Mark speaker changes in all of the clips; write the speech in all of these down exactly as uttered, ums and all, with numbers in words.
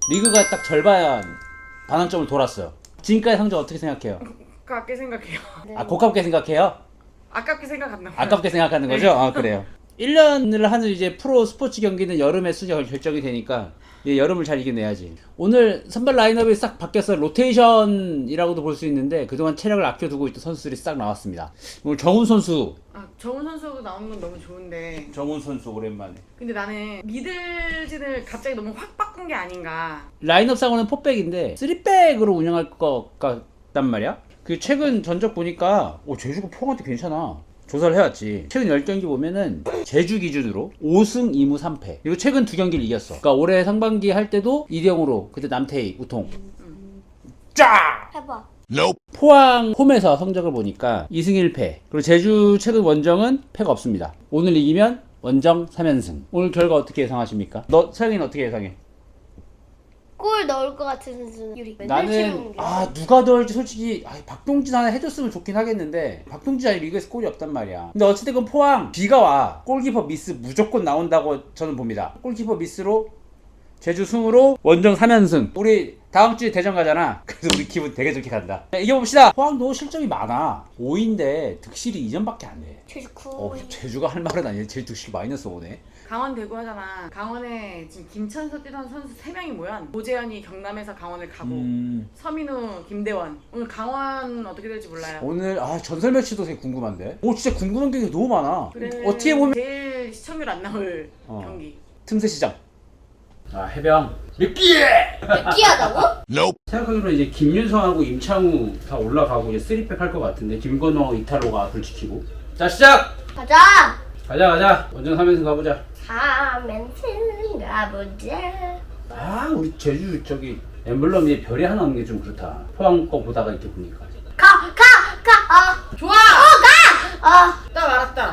Speaker 1: 리그가 딱 절반 반환점을 돌았어요. 지금까지 성적 어떻게 생각해요?
Speaker 2: 아깝게 생각해요.
Speaker 1: 아 고깝게 생각해요?
Speaker 2: 아깝게 생각한다.
Speaker 1: 아깝게 생각하는 거죠? 아 그래요. 일 년을 하는 이제 프로 스포츠 경기는 여름에 수저 결정이 되니까 이제 여름을 잘 이겨내야지. 오늘 선발 라인업이 싹 바뀌어서 로테이션이라고도 볼 수 있는데 그동안 체력을 아껴두고 있던 선수들이 싹 나왔습니다. 오늘 정훈 선수.
Speaker 2: 아, 정훈 선수도 나오는 건 너무 좋은데.
Speaker 1: 정훈 선수 오랜만에.
Speaker 2: 근데 나는 미들진을 갑자기 너무 확 바꾼 게 아닌가.
Speaker 1: 라인업 상으로는 포백인데 쓰리백으로 운영할 것 같단 말이야. 그 최근 전적 보니까 오 제주가 포항한테 괜찮아. 조사를 해왔지. 최근 십 경기 보면은 제주 기준으로 오 승 이 무 삼 패. 그리고 최근 두 경기를 이겼어. 그러니까 올해 상반기 할 때도 이 대 영으로 그때 남태희 우통 쫙!
Speaker 3: 해봐.
Speaker 1: 포항 홈에서 성적을 보니까 이 승 일 패. 그리고 제주 최근 원정은 패가 없습니다. 오늘 이기면 원정 삼 연승. 오늘 결과 어떻게 예상하십니까? 너 서영이는 어떻게 예상해?
Speaker 3: 골 넣을 것 같은 선수는 유리.
Speaker 1: 나는 아 누가 더 할지 솔직히 아, 박동진 하나 해줬으면 좋긴 하겠는데 박동진 아직 리그에서 골이 없단 말이야. 근데 어찌됐건 포항 비가 와 골키퍼 미스 무조건 나온다고 저는 봅니다. 골키퍼 미스로 제주 승으로 원정 삼 연승. 우리 다음 주에 대전 가잖아. 그래서 우리 기분 되게 좋게 간다. 이겨봅시다. 포항도 실점이 많아. 오 위인데 득실이 이 점밖에 안 돼.
Speaker 3: 제주 구.
Speaker 1: 어, 제주가 할 말은 아니야. 제주 득실 마이너스 오네.
Speaker 2: 강원 대구 하잖아. 강원에 지금 김천서 뛰던 선수 세 명이 뭐야? 오재현이 경남에서 강원을 가고
Speaker 1: 음...
Speaker 2: 서민우, 김대원. 오늘 강원 어떻게 될지 몰라요.
Speaker 1: 오늘 아 전설 매치도 되게 궁금한데. 오 진짜 궁금한 게 너무 많아.
Speaker 2: 그래,
Speaker 1: 어떻게 보면
Speaker 2: 제일 시청률 안 나올
Speaker 1: 어.
Speaker 2: 경기.
Speaker 1: 틈새 시장. 아 해병 느끼해.
Speaker 3: 느끼하다고?
Speaker 1: 생각하기로 이제 김윤성하고 임창우 다 올라가고 이제 쓰리백 할 것 같은데 김건호 이탈로가 불 지키고. 자 시작.
Speaker 3: 가자.
Speaker 1: 가자 가자. 원정 삼 연승 가보자.
Speaker 3: 삼 연승 가보자.
Speaker 1: 아 우리 제주 저기 엠블럼에 별이 하나 없는 게 좀 그렇다. 포항 거 보다가 이렇게 보니까.
Speaker 3: 가, 가, 가. 아,
Speaker 2: 좋아!
Speaker 3: 어, 가. 아,
Speaker 2: 딱 알았다.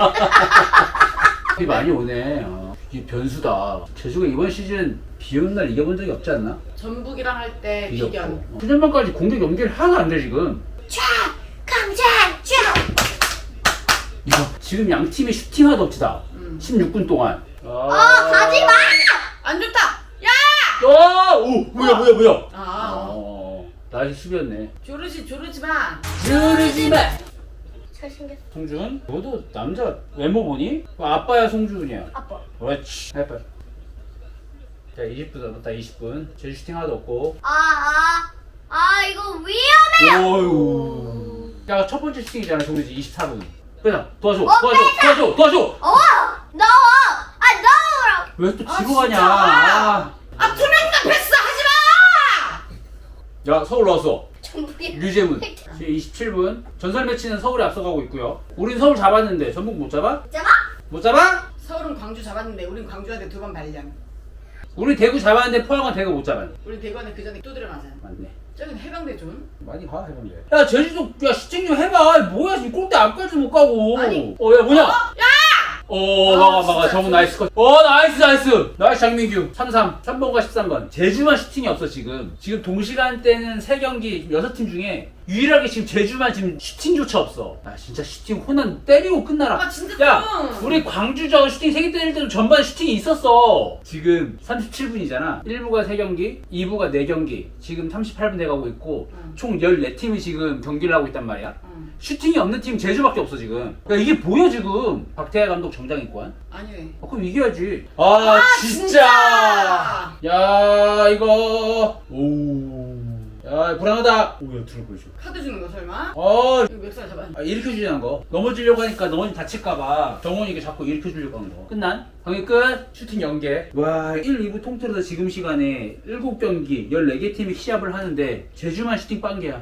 Speaker 1: 비 많이 오네. 어. 이게 변수다. 제주가 이번 시즌 비 오는 날 이겨본 적이 없지 않나?
Speaker 2: 전북이랑 할 때
Speaker 1: 비겼고.
Speaker 2: 비견.
Speaker 1: 어. 수년만까지 공격 연결 하나도 안 돼 지금.
Speaker 3: 쫙, 강자, 쫙.
Speaker 1: 이거 지금 양 팀이 슈팅 하도 없지다.
Speaker 2: 음.
Speaker 1: 십육 분 동안. 아,
Speaker 3: 어, 가지 마.
Speaker 2: 안 좋다! 야!
Speaker 1: 아, 오, 뭐야, 뭐야, 뭐야.
Speaker 2: 아,
Speaker 1: 어, 나이 수비였네.
Speaker 2: 조르지, 조르지 마.
Speaker 1: 주르지 마.
Speaker 3: 잘생겼어.
Speaker 1: 송준, 너도 남자 외모 보니? 아빠야, 송준이야.
Speaker 3: 아빠.
Speaker 1: 그렇지. 해봐. 자, 이십 분 남았다. 이십 분. 제주 슈팅 하나도 없고.
Speaker 3: 아, 아, 아, 이거 위험해.
Speaker 1: 어휴. 야, 첫 번째 슈팅이잖아, 송준이. 이십사 분. 그냥 도와줘,
Speaker 3: 어,
Speaker 1: 도와줘, 도와줘, 도와줘.
Speaker 3: 어, 넣어. 아, 넣으라고.
Speaker 1: 왜 또
Speaker 2: 아,
Speaker 1: 지고
Speaker 2: 진짜?
Speaker 1: 가냐? 아.
Speaker 2: 아, 투명다 패스 하지 마!
Speaker 1: 야, 서울 나왔어.
Speaker 3: 전북이.
Speaker 1: 류재문. 지금 이십칠 분. 전설 매치는 서울이 앞서가고 있고요. 우린 서울 잡았는데 전북 못 잡아?
Speaker 3: 잡아?
Speaker 1: 못 잡아?
Speaker 2: 서울은 광주 잡았는데 우린 광주한테 두 번 발량.
Speaker 1: 우리 대구 잡았는데 포항은 대구 못 잡아.
Speaker 2: 우리 대구한테 그 전에 두드려 맞아.
Speaker 1: 맞네.
Speaker 2: 저긴 해병대 존.
Speaker 1: 많이 가 해본대. 야 제주도 야 시청 좀 해봐. 뭐야 지금 골대 앞까지 못 가고.
Speaker 2: 아니.
Speaker 1: 어야 뭐냐?
Speaker 2: 어? 야!
Speaker 1: 어
Speaker 2: 아,
Speaker 1: 막아 막아
Speaker 2: 진짜.
Speaker 1: 정우 나이스 컷. 어 나이스 나이스. 나이스 장민규. 삼 삼. 삼 번과 십삼 번. 제주만 슈팅이 없어 지금. 지금 동시간대는 세 경기 여섯 팀 중에 유일하게 지금 제주만 지금 슈팅조차 없어. 아 진짜 슈팅 호난 때리고 끝나라.
Speaker 2: 아 진짜
Speaker 1: 야
Speaker 2: 좀.
Speaker 1: 우리 광주 저 슈팅 세 개 때릴 때도 전반 슈팅이 있었어. 지금 삼십칠 분이잖아. 일 부가 세 경기, 이 부가 네 경기. 지금 삼십팔 분 돼가고 있고
Speaker 2: 응.
Speaker 1: 총 열네 팀이 지금 경기를 하고 있단 말이야.
Speaker 2: 응.
Speaker 1: 슈팅이 없는 팀 제주밖에 없어 지금. 야 이게 뭐야 지금. 박태하 감독 정장입관.
Speaker 2: 아니네.
Speaker 1: 아, 그럼 이겨야지. 아, 진짜. 야 이거. 오. 야 불안하다. 오야 들어보여줘.
Speaker 2: 카드 주는 거 설마?
Speaker 1: 어.
Speaker 2: 이거 멱살 잡아.
Speaker 1: 아, 일으켜주려는 거. 넘어지려고 하니까 넘어지 다칠까봐 정원이가 자꾸 일으켜주려고 하는 거. 끝난? 경기 끝. 슈팅 연계. 와, 일, 이 부 통틀어서 지금 시간에 일곱 경기, 열네 개 팀이 시합을 하는데 제주만 슈팅 빵개야.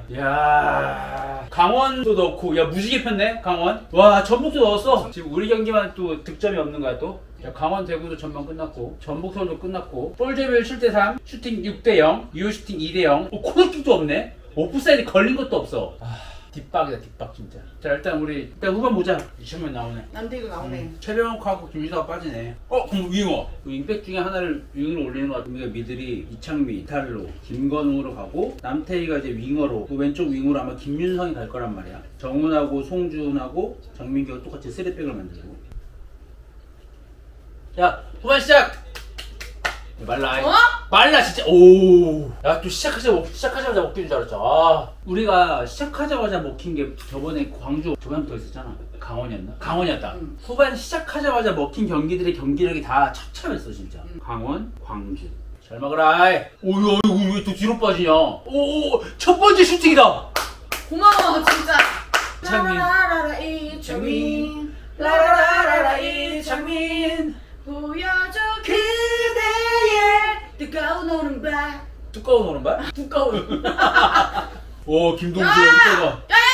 Speaker 1: 야 강원도 넣고, 야 무지개 폈네, 강원. 와, 전북도 넣었어. 지금 우리 경기만 또 득점이 없는 거야 또. 자, 강원 대구도 전반 끝났고 전북 서울도 끝났고 볼제별 칠 대 삼, 슈팅 육 대 영, 유효 슈팅 이 대 영. 어, 코너킥도 없네. 오프사이드 걸린 것도 없어. 아, 뒷박이다 뒷박 진짜. 자 일단 우리 일단 후반 보자. 이천명 나오네.
Speaker 2: 남대구 나오네.
Speaker 1: 음, 최병욱하고 김유다가 빠지네. 어? 그럼 윙어. 그 윙백 중에 하나를 윙으로 올리는 것 같은데 미들이 이창미, 이탈로, 김건웅으로 가고 남태희가 이제 윙어로 그 왼쪽 윙으로 아마 김윤성이 갈 거란 말이야. 정훈하고 송준하고 정민규가 똑같이 쓰리백을 만들고. 자 후반 시작! 말라.
Speaker 2: 어?
Speaker 1: 말라 진짜. 오. 야 또 시작하자마자 시작하자마자 먹기는 줄 알았죠. 아. 우리가 시작하자마자 먹힌 게 저번에 광주 저번부터 있었잖아. 강원이었나? 강원이었다.
Speaker 2: 응.
Speaker 1: 후반 시작하자마자 먹힌 경기들의 경기력이 다 찹찹했어 진짜.
Speaker 2: 응.
Speaker 1: 강원, 광주. 잘 먹어라. 오야 이거 왜 또 뒤로 빠지냐? 오, 첫 번째 슈팅이다.
Speaker 2: 고마워 진짜.
Speaker 1: 장민.
Speaker 2: 라라라라 이창민.
Speaker 1: 라라라라라 이창민.
Speaker 2: 보여줘 그대의 뜨거운 오른발.
Speaker 1: 두꺼운 오른발?
Speaker 2: 두꺼운.
Speaker 1: 오 김동주
Speaker 2: 야!
Speaker 1: 여기다가.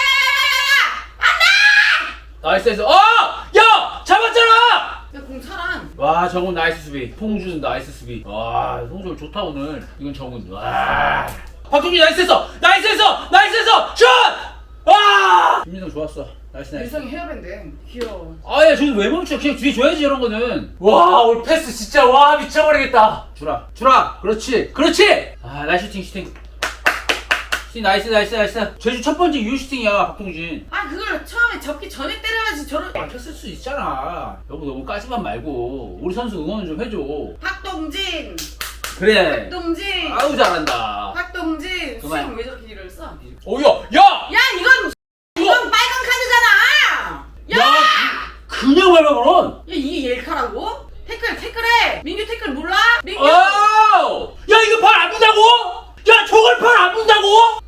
Speaker 1: 나이스 나이스. 어! 야! 잡았잖아!
Speaker 2: 야공 차랑.
Speaker 1: 와 정훈 나이스 수비. 송준 나이스 수비. 와 송준 좋다 오늘. 이건 정훈. 와. 박종준 나이스 했어. 나이스 했어. 나이스 했어. 슛! 와! 김민성 좋았어. 나이스 나이스.
Speaker 2: 유성이 헤어밴드. 귀여워.
Speaker 1: 아야 저기 왜 멈춰? 그냥 뒤에 줘야지 이런 거는. 와 오늘 패스 진짜 와 미쳐버리겠다. 주라 주라. 그렇지 그렇지. 아 나이스 슈팅 슈팅. 슈팅 나이스 나이스 나이스. 제주 첫 번째 유 슈팅이야 박동진.
Speaker 2: 아 그걸 처음에 접기 전에 때려야지 저런.
Speaker 1: 막혔을 수 있잖아. 여보 너무 까지만 말고 우리 선수 응원 좀 해줘.
Speaker 2: 박동진.
Speaker 1: 그래.
Speaker 2: 박동진.
Speaker 1: 아우 잘한다.
Speaker 2: 박동진.
Speaker 1: 그만.
Speaker 2: 수영 왜 저렇게 일을 써?
Speaker 1: 오야 야.
Speaker 2: 야 이건 이건 빨간 카드잖아. 야.
Speaker 1: 야 그, 그냥 밟아버론.
Speaker 2: 야 이게 옐카라고? 태클 태클해. 민규 태클 몰라? 민규.
Speaker 1: 어! 야 이거 팔 안 분다고? 야 저걸 팔 안 분다고?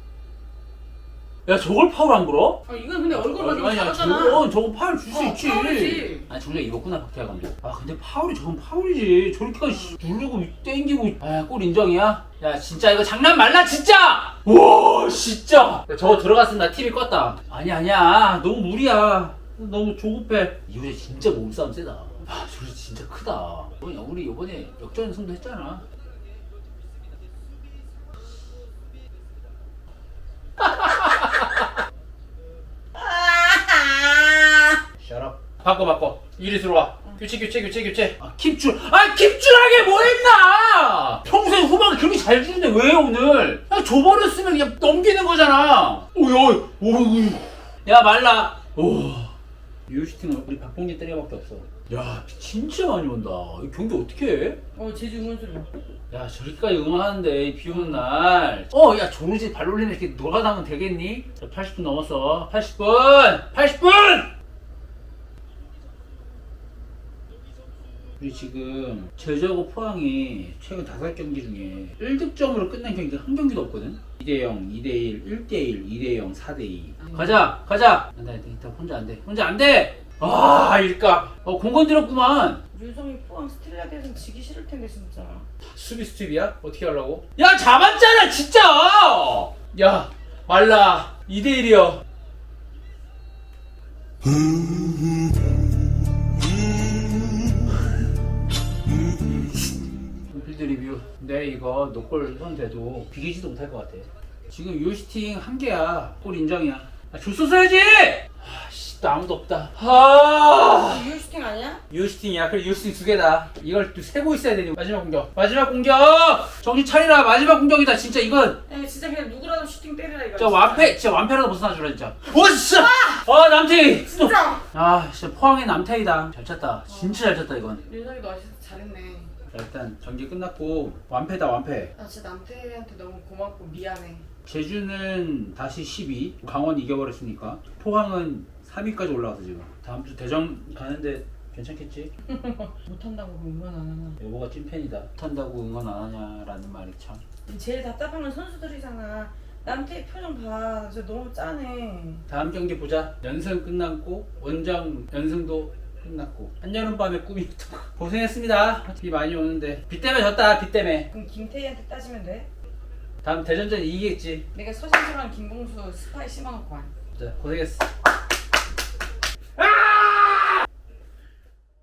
Speaker 1: 야 저걸 파울 안 불어?
Speaker 2: 아 이건 근데 얼굴 만지고
Speaker 1: 아니야
Speaker 2: 잡았잖아.
Speaker 1: 저건 저건 파울 줄 수
Speaker 2: 어,
Speaker 1: 있지.
Speaker 2: 파울이지.
Speaker 1: 아니 정작 입었구나 박태하 감독. 아 근데 파울이 저건 파울이지. 저렇게까지 씨, 누르고 땡기고. 아골 인정이야? 야 진짜 이거 장난 말라 진짜. 와 진짜. 야, 저거 들어갔으면 나 티비 껐다. 아니 아니야 너무 무리야. 너무 조급해. 이후에 진짜 몸싸움 세다. 아 저리 진짜 크다. 우리 우리 이번에 역전승도 했잖아. 셔럽. 바꿔 바꿔. 이리스로 와. 교체 교체 교체 교체. 아 킵줄. 아 킵줄하게 뭐 했나? 평소에 후반 그렇게 잘 주는데 왜 오늘? 야 줘버렸으면 그냥 넘기는 거잖아. 오야 오우. 야 말라. 오. 유시팅은 우리 박봉진 때려밖에 없어. 야 진짜 많이 온다. 이 경기 어떻게 해?
Speaker 2: 어 제주 응원 소리.
Speaker 1: 야 저렇게까지 응원하는데 비 오는 날. 어 야 조르지 발놀리는 이렇게 놀아나면 되겠니? 자, 팔십 분 넘었어. 팔십 분! 팔십 분! 우리 지금 제주하고 포항이 최근 다섯 경기 중에 일 득점으로 끝난 경기가 한 경기도 없거든? 이 대 영, 이 대 일, 일 대 일, 이 대 영, 사 대 이. 가자! 가자! 안돼 안돼 혼자 안돼 혼자 안돼! 아 일까 어 공건 들었구만.
Speaker 2: 유성이 포항 스틸라드에서는 지기 싫을 텐데 진짜.
Speaker 1: 수비 스텝이야? 어떻게 하려고? 야 잡았잖아 진짜! 야 말라 이 대 일이야. 필드 리뷰. 내 이거 노골 선돼도 비기지도 못할 것 같아. 지금 유시팅 한 개야. 골 인정이야. 아, 줬어 써야지! 아씨 또 아무도 없다. 아
Speaker 2: 유슈팅 아니야?
Speaker 1: 유시팅이야. 그래 유시팅 두 개다. 이걸 또 세고 있어야 되니. 마지막 공격. 마지막 공격! 정신 차리라. 마지막 공격이다. 진짜 이건.
Speaker 2: 야 진짜 그냥 누구라도 슈팅 때리라 이거.
Speaker 1: 진짜 완패. 진짜 완패라도 벗어나주라 진짜. 오 진짜! 아 남태희! 또.
Speaker 2: 진짜.
Speaker 1: 아 진짜 포항의 남태희다. 잘 쳤다. 진짜 잘 쳤다 이건.
Speaker 2: 유성이 너 아시스 잘했네.
Speaker 1: 자, 일단 경기 끝났고 완패다 완패.
Speaker 2: 나 진짜 남태한테 너무 고맙고 미안해.
Speaker 1: 제주는 다시 십이, 강원 이겨버렸으니까. 포항은 삼 위까지 올라가서 지금 다음 주 대전 가는데 괜찮겠지?
Speaker 2: 못한다고 응원 안 하나.
Speaker 1: 여보가 찐팬이다. 못한다고 응원 안 하냐라는 말이 참.
Speaker 2: 제일 답답한 건 선수들이잖아. 남태 표정 봐. 진짜 너무 짠해.
Speaker 1: 다음 경기 보자. 연승 끝났고 원정 연승도 끝났고 한여름밤의 꿈이었던 거. 고생했습니다. 비 많이 오는데 비 때문에 졌다. 비 때문에.
Speaker 2: 그럼 김태희한테 따지면 돼?
Speaker 1: 다음 대전전 이기겠지.
Speaker 2: 내가 서진수랑 김봉수 스파이 심어놓고 와.
Speaker 1: 자 고생했어.